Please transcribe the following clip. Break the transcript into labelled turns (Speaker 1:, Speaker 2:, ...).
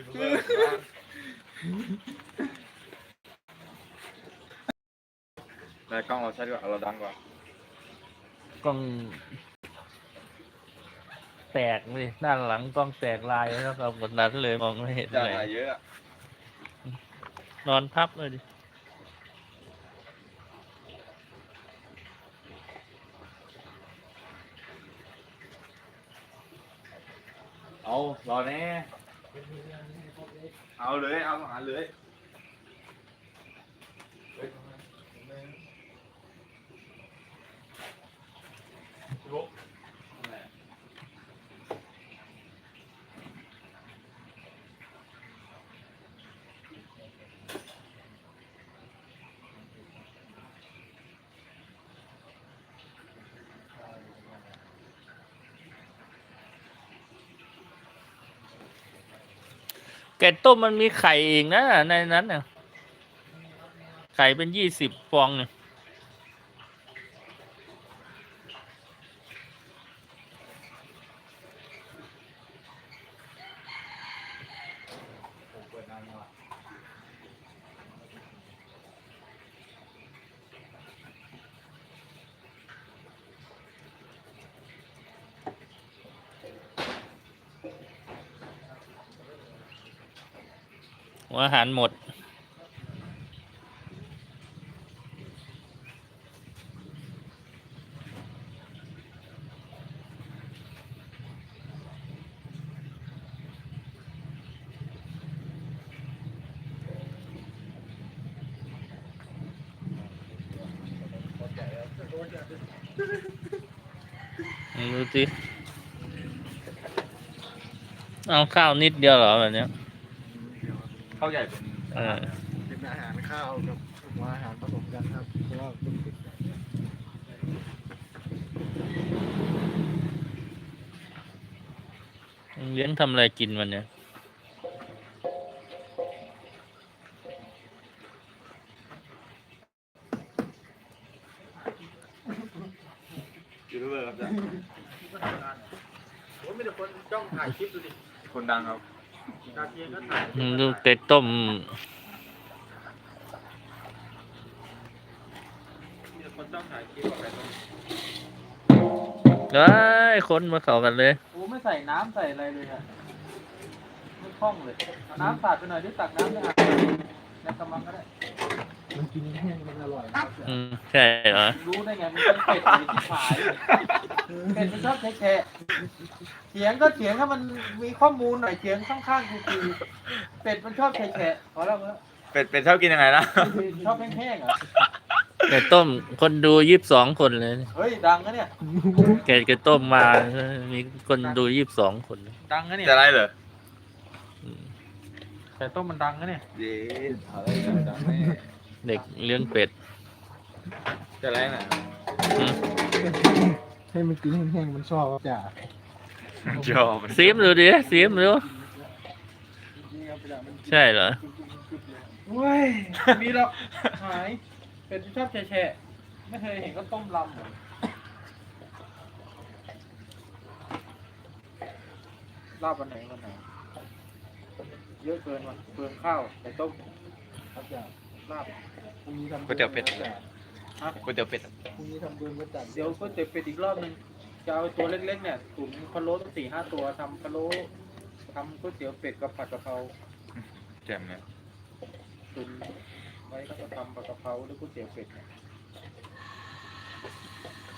Speaker 1: แต่กล้องเราใช้ดีกว่าเราดังกว่าก
Speaker 2: ล้องแตกเลยด้านหลังกล้องแตกลายแล้วครับกดนั้นเลยมองไม่เห็น
Speaker 1: จะ
Speaker 2: เลย
Speaker 1: ถ่ายเยอะอะ
Speaker 2: นอนพับเลยดิ
Speaker 1: เอารอแน่เอาเลยเอาอาหารเลยลุก
Speaker 2: ไก่ต้มมันมีไข่เองนะในนั้นน่ะไข่เป็น20 ฟองเนี่ยหัวอาหารหมดดูสิเอาข้าวนิดเดียวเหรอแบบเนี้ย
Speaker 1: ข้าวใหญ่เป็น
Speaker 3: เป็นอาหารข้าวกับหัวอาหารผสมกันครับเพราะว่าเป็นติด
Speaker 2: เลี้ยงทำอะไรกินวันเนี้ย
Speaker 1: ยูทูบเบอร์ครับจ้ะ
Speaker 3: โอ้ยมีแต่คนจ้องถ่ายคลิปดูดิ
Speaker 1: คนดังครับ
Speaker 3: ตาเทียนก็ถ่าย
Speaker 2: ดูไก่ต้ม
Speaker 3: มีแต่คนจ้องถ่ายคลิปอะไรต้ม
Speaker 2: เอ้ยคนมาเข้ากันเลย
Speaker 3: โอ้ไม่ใส่น้ำใส่อะไรเลยอ่ะไม่คล่องเลยเอาน้ำสาดไปหน่อยดิตักน้ำในอ่างในกระมังก็ได้มันกินแห้งมันอร่อยนะ
Speaker 2: ใช่เหรอ
Speaker 3: รู้ได้ไงมันเป็นเป็ดหรือที่ขายเป็ดมันชอบแฉะเถียงก็เถียงถ้ามันมีข้อมูลหน่อยเถียงข้างๆคือเป็ดมันชอบแฉะพอแล้ว
Speaker 1: เป็ดชอบกินยังไงนะ
Speaker 3: ชอบแห้งๆเหรอ
Speaker 2: ไก่ต้มคนดู22 คนเลย
Speaker 3: เฮ้ยดังนะเนี่ย
Speaker 2: ไก่ต้มมามีคนดู22 คน
Speaker 3: ดังนะเนี่ย
Speaker 1: จะไรเหรอ
Speaker 3: แต่ต้มมันดังนะเนี่ย
Speaker 1: เย้อะไรดังแน่
Speaker 2: เด็กเลี้ยงเป็ด
Speaker 1: จะไรน่ะ
Speaker 2: อืม
Speaker 3: ให้มันกินแห้งๆมันชอบจ้ะ
Speaker 1: ชอบ
Speaker 2: ซีมดูดิซีมดูใช่เหรอ
Speaker 3: เว้ยมีหรอกหายเป็ดมันชอบแฉะไม่เคยเห็นก็ต้มลำเหรอลาบวันไหนเยอะเกินว่ะเปลืองข้าวแต่ต้มครับจ้ะลาบพรุ่งนี้ทำ
Speaker 1: ก๋วยเตี๋ยวเป็ด
Speaker 3: ฮะ
Speaker 1: ก๋วยเตี๋ยวเป็ด
Speaker 3: พรุ่งนี้ทำเบืองก็จัดเดี๋ยวก๋วยเตี๋ยวเป็ดอีกรอบหนึงจะเอาตัวเล็กๆเนี่ยตุ๋นพะโล้ตั้ง4-5 ตัวทำพะโล้ทำก๋วยเตี๋ยวเป็ดกับผัดกะเพรา
Speaker 1: แจ่มเนี่ย
Speaker 3: ตุนไว้ก็จะทำผัดกะเพราหรือก๋วยเตี๋ยวเป็ดเนี่ย